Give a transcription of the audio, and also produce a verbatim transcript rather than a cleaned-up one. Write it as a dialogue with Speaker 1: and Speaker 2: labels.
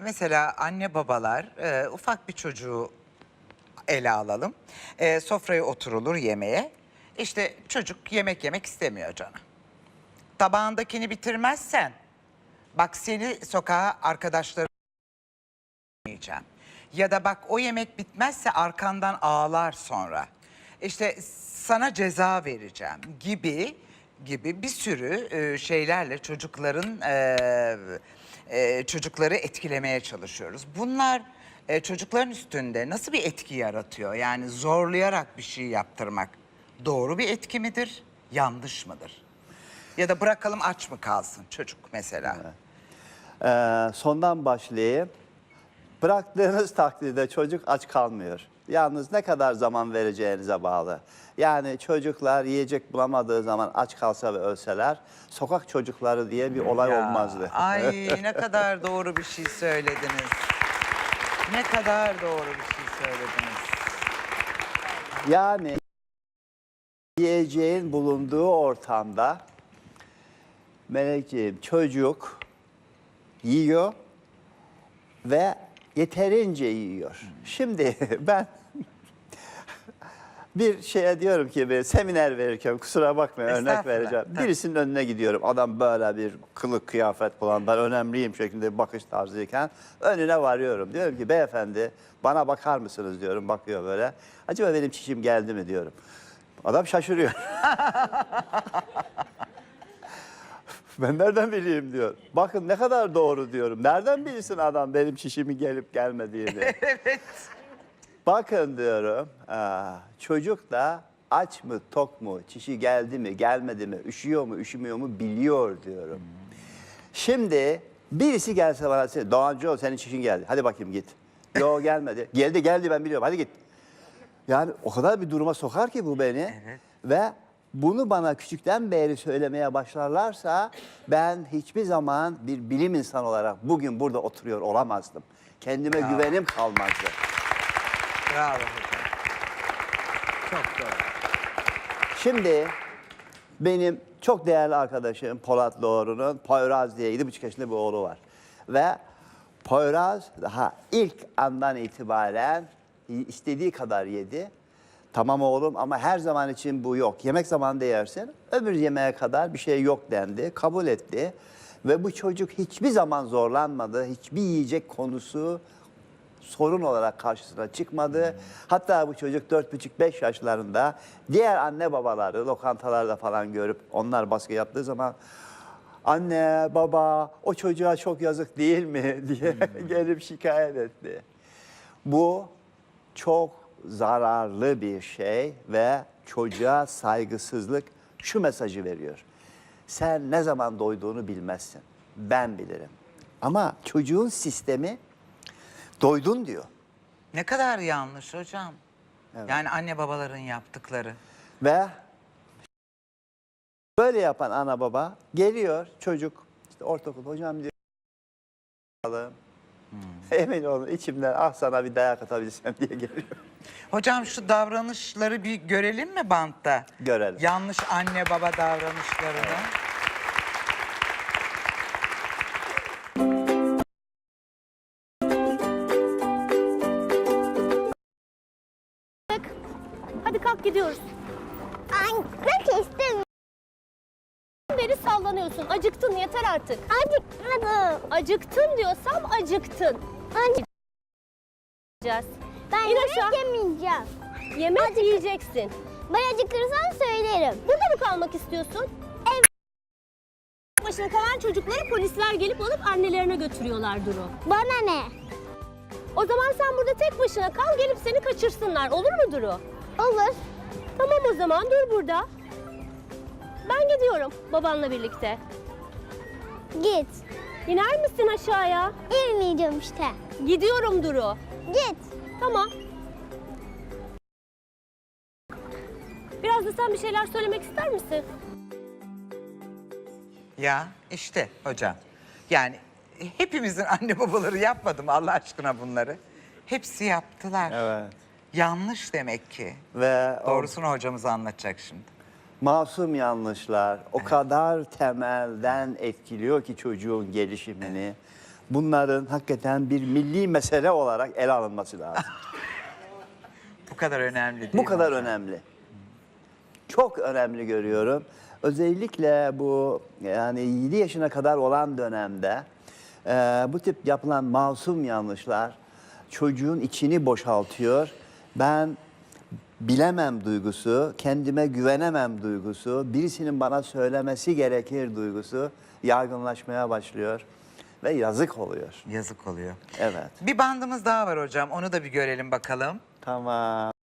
Speaker 1: mesela anne babalar e, ufak bir çocuğu ele alalım. E, sofraya oturulur yemeğe. İşte çocuk yemek yemek istemiyor canım. Tabağındakini bitirmezsen bak seni sokağa arkadaşlarım yiyeceğim. Ya da bak o yemek bitmezse arkandan ağlar sonra. İşte sana ceza vereceğim gibi gibi bir sürü e, şeylerle çocukların e, e, çocukları etkilemeye çalışıyoruz. Bunlar e, çocukların üstünde nasıl bir etki yaratıyor? Yani zorlayarak bir şey yaptırmak doğru bir etki midir, yanlış mıdır? Ya da bırakalım aç mı kalsın çocuk mesela?
Speaker 2: Evet. Ee, sondan başlayayım. Bıraktığınız takdirde çocuk aç kalmıyor. Yalnız ne kadar zaman vereceğinize bağlı. Yani çocuklar yiyecek bulamadığı zaman aç kalsa ve ölseler sokak çocukları diye bir olay
Speaker 1: Ya,
Speaker 2: olmazdı.
Speaker 1: Ay ne kadar doğru bir şey söylediniz. Ne kadar doğru bir şey söylediniz.
Speaker 2: Yani yiyeceğin bulunduğu ortamda Melekciğim çocuk yiyor ve yeterince yiyor. Şimdi ben bir şeye diyorum ki bir seminer verirken kusura bakmayın örnek
Speaker 1: Estağfurullah,
Speaker 2: vereceğim.
Speaker 1: tabii.
Speaker 2: Birisinin önüne gidiyorum. Adam böyle bir kılık kıyafet falan ben önemliyim şeklinde bir bakış tarzıyken önüne varıyorum. Diyorum ki beyefendi bana bakar mısınız diyorum. Bakıyor böyle. Acaba benim çişim geldi mi diyorum. Adam şaşırıyor. Ben nereden bileyim diyor. Bakın ne kadar doğru diyorum. Nereden bilsin adam benim çişimin gelip gelmediğini.
Speaker 1: Evet.
Speaker 2: Bakın diyorum, aa, çocuk da aç mı, tok mu, çişi geldi mi, gelmedi mi, üşüyor mu, üşümüyor mu biliyor diyorum. Şimdi birisi gelse bana, Doğancıoğlu senin çişin geldi, hadi bakayım git. Yok gelmedi, geldi geldi ben biliyorum, hadi git. Yani o kadar bir duruma sokar ki bu beni.
Speaker 1: Evet.
Speaker 2: Ve bunu bana küçükten beri söylemeye başlarlarsa ben hiçbir zaman bir bilim insanı olarak bugün burada oturuyor olamazdım. Kendime
Speaker 1: Ya.
Speaker 2: güvenim kalmazdı.
Speaker 1: Bravo hocam. Çok doğru.
Speaker 2: Şimdi benim çok değerli arkadaşım Polat Doğru'nun Poyraz diye yedi buçuk yaşında bir oğlu var. Ve Poyraz daha ilk andan itibaren istediği kadar yedi. Tamam oğlum ama her zaman için bu yok. Yemek zamanında yersin, öbür yemeğe kadar bir şey yok dendi, kabul etti. Ve bu çocuk hiçbir zaman zorlanmadı, hiçbir yiyecek konusu sorun olarak karşısına çıkmadı. Hmm. Hatta bu çocuk dört buçuk beş yaşlarında diğer anne babaları lokantalarda falan görüp onlar baskı yaptığı zaman anne baba o çocuğa çok yazık değil mi diye hmm. gelip şikayet etti. Bu çok zararlı bir şey ve çocuğa saygısızlık şu mesajı veriyor. Sen ne zaman doyduğunu bilmezsin. Ben bilirim. Ama çocuğun sistemi doydun diyor.
Speaker 1: Ne kadar yanlış hocam.
Speaker 2: Evet.
Speaker 1: Yani anne babaların yaptıkları.
Speaker 2: Ve böyle yapan ana baba geliyor çocuk işte ortaokul hocam diyor. Hmm. Emin olun içimden ah sana bir dayak atabilsem diye geliyor.
Speaker 1: Hocam şu davranışları bir görelim mi bantta?
Speaker 2: Görelim.
Speaker 1: Yanlış anne baba davranışlarını. Evet.
Speaker 3: Hadi kalk gidiyoruz.
Speaker 4: Anne istemiyorum.
Speaker 3: Beri sallanıyorsun. Acıktın yeter artık.
Speaker 4: Acıkmadım.
Speaker 3: Acıktın diyorsam acıktın.
Speaker 4: Anne. Ben
Speaker 3: İn
Speaker 4: yemek
Speaker 3: aşağı.
Speaker 4: yemeyeceğim.
Speaker 3: Yemek
Speaker 4: Acık-
Speaker 3: yiyeceksin.
Speaker 4: Ben acıkırsan söylerim.
Speaker 3: Burada mı kalmak istiyorsun? Evet. Başına kalan çocukları polisler gelip alıp annelerine götürüyorlar Duru.
Speaker 4: Bana ne?
Speaker 3: O zaman sen burada tek başına kal, gelip seni kaçırsınlar. Olur mu Duru?
Speaker 4: Olur.
Speaker 3: Tamam o zaman dur burada. Ben gidiyorum babanla birlikte.
Speaker 4: Git.
Speaker 3: İner misin aşağıya?
Speaker 4: İnmeyeceğim işte.
Speaker 3: Gidiyorum Duru.
Speaker 4: Git.
Speaker 3: Tamam. Biraz da sen bir şeyler söylemek ister misin?
Speaker 1: Ya işte hocam. Yani hepimizin anne babaları yapmadı mı Allah aşkına bunları? Hepsi yaptılar.
Speaker 2: Evet.
Speaker 1: Yanlış demek ki.
Speaker 2: Ve o
Speaker 1: Doğrusunu hocamız anlatacak şimdi.
Speaker 2: masum yanlışlar o kadar temelden etkiliyor ki çocuğun gelişimini. bunların hakikaten bir milli mesele olarak ele alınması lazım.
Speaker 1: Bu kadar önemli değil
Speaker 2: Bu
Speaker 1: mi
Speaker 2: kadar
Speaker 1: hocam?
Speaker 2: önemli. Çok önemli görüyorum. Özellikle bu yani yedi yaşına kadar olan dönemde e, bu tip yapılan masum yanlışlar çocuğun içini boşaltıyor. Ben bilemem duygusu, kendime güvenemem duygusu, birisinin bana söylemesi gerekir duygusu yaygınlaşmaya başlıyor ve yazık oluyor.
Speaker 1: Yazık oluyor.
Speaker 2: Evet.
Speaker 1: Bir bandımız daha var hocam. Onu da bir görelim bakalım.
Speaker 2: Tamam.